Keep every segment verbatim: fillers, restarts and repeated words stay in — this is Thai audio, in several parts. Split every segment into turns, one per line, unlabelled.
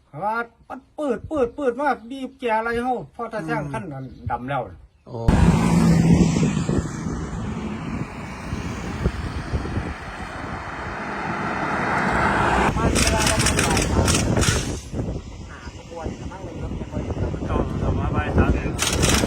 ว่ามันปืดปืดปืดมากบีบแกอะไรเฮาพอถ้าแซงขั้นนั้นดำแล้ว
โอ้
มันเวลาประมาณบ่ายสามหาขบวนกำลังเลยรถจะคอย
ต้องทำมาใบสามเอง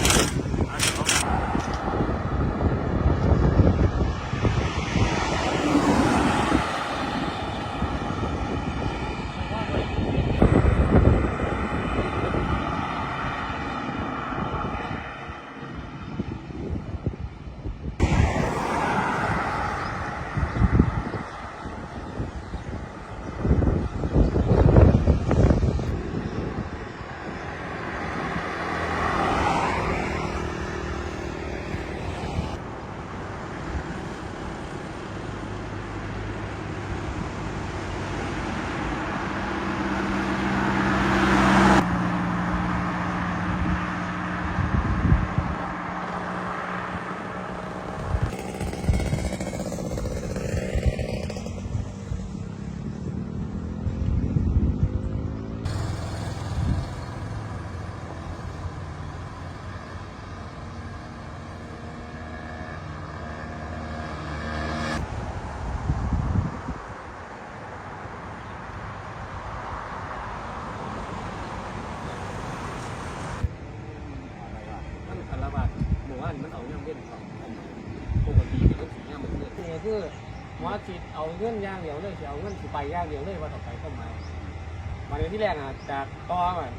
มันเอาเงินเล่นของปกติมันสีเงี้ยมันเนี่ยนี่คือว่าจิตเอาเงินย่างเดียวเลยจะเอาเงินสิไปย่างเดียวเลยว่าต่อไปก็มามาในที่แรกอ่ะจากตออ่ะ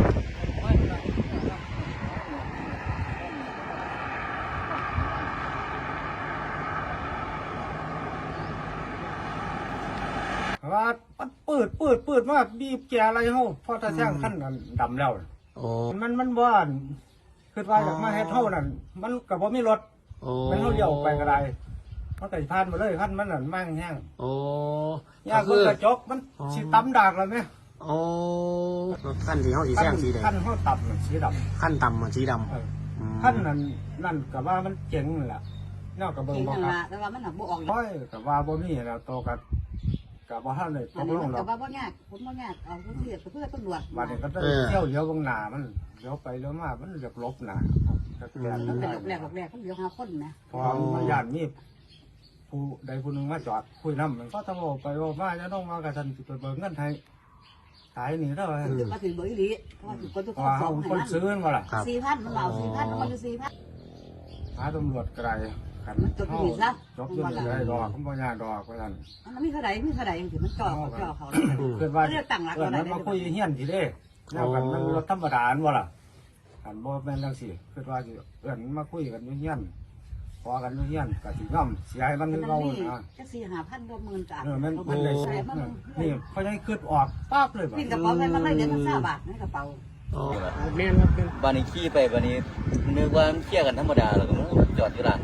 ว่ามันปืดปืดปืดมากบีบแกอะไรเฮาพอถ้าแซงขั้นนั้นดำแล้ว
โอ้
มันมันบ้านคือว่าจากมาเฮ็ดเท่านั้นมันกับว่ามีรถมันเท่าเดียวไปก็ได้มันไก่พานมาเลยขั้นมันนั่นมั่งแห้ง
โอ้
ยากมันกระจกมันสีตำดากเลยไหม
โอ้ขั้นสีเขาสีแซงสีแดง
ขั้นเขาต่ำสีดำ
ขั้นต่ำสีดำ
ขั้นนั้นนั่นกับว่ามันเจ๋งแหละนอกกับเบิ้งบอกครับ
แต่ว่ามันหนักบ่ออก
โอ้ยกับว่าบ่มีแล้วโตกับกับว่าท่านเลยตกลงหรอก
กับว่าบ่ยากผมบ่ยากเอาเพื่อเพื่อตำรวจ
วันนี้ก็ได้เที่ยวเลี้ยวบางหนามันเลี้ยวไปเลี้ยวมามันเรียบลบหนาก็แก่
มันเป็นหลบแหลกหลบแหลกเขาเลี้ยวหาคนนะ
พอมาญาติมีผู้ใดผู้หนึ่งมาจอดคุยน้ำมันก็ต้องบอกไปว่ามาจะต้องมากระทันจุดเบิกเงินไทยขายนี่เท่าไหร่
มาถึงเบอร์อีหลีเพราะว่าถึงคนทุกค
นเอาคนซื้อมาล่ะ
สี่พันมันเอาสี่พันมันอยู่สี่พัน
หาตำรวจไกลขัน
จบที่ซะ
จบที่นี่ได้ดอกเขาบอกญาติดอกก็ทัน
มันมีเท่าไหร่มีเท่าไหร่ถึงมันจ่อเขาจ่อเขา
เกิดว่าเรื่องต่างหลักอะไรมันมาคุยเฮี้ยนทีเด้แล้วกันมันรถธรรมดาบ่ล่ะกันบ่เป็นเรื่องสิเกิดว่าเอื่อนมาคุยกันเฮี้ยนพอกันเฮี้ยนกับสิย่อมเสียให้มันเงาอ่ะ
จะสี่ห้าพันรวมหมื่นจ้ะ
เออมันมันเลยนี่เขาจะขึ้นออกปั๊บเลย
ปิ่นกระเป๋าไปมันเลยเดือนละห้าบาทในกระเป๋า
เมนครับ
บ้านนี้ขี่ไปบ้านนี้นึกว่ามันเที่ยกันธรรมดาแล้วก็จอดอยู่ร้าน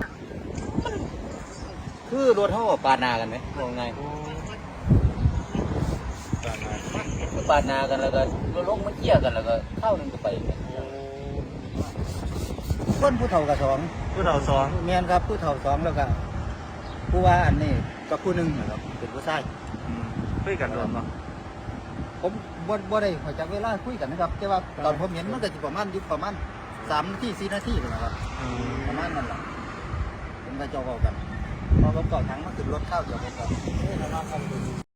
คือรถเท่าปาดนากันไหมมองไงปาดนากันแล้วก็รถลงมันเที่ยกันแล้วก็เข้านึงก็ไป
คนผู้เฒ่ากับสอง
ผู้เฒ่าสอง
เมียนครับผู้เฒ่าสองแล้วก็ผู้ว่าอันนี้กับผู้หนึ่งนะครับเป็นผู้ชาย
คุยกันรวมมั้ง
ผมบ่บ่ได้ขอจากเวลาคุยกันนะครับแต่ว่าตอนผมเห็นมันก็จะประมาณอยู่ประมาณสามนาทีสี่นาทีนะครับประมาณนั้นแหละผมก็จะบอกกันพอผมก่อทั้งมาขึ้นรถเข้าเดี๋ยวผมก็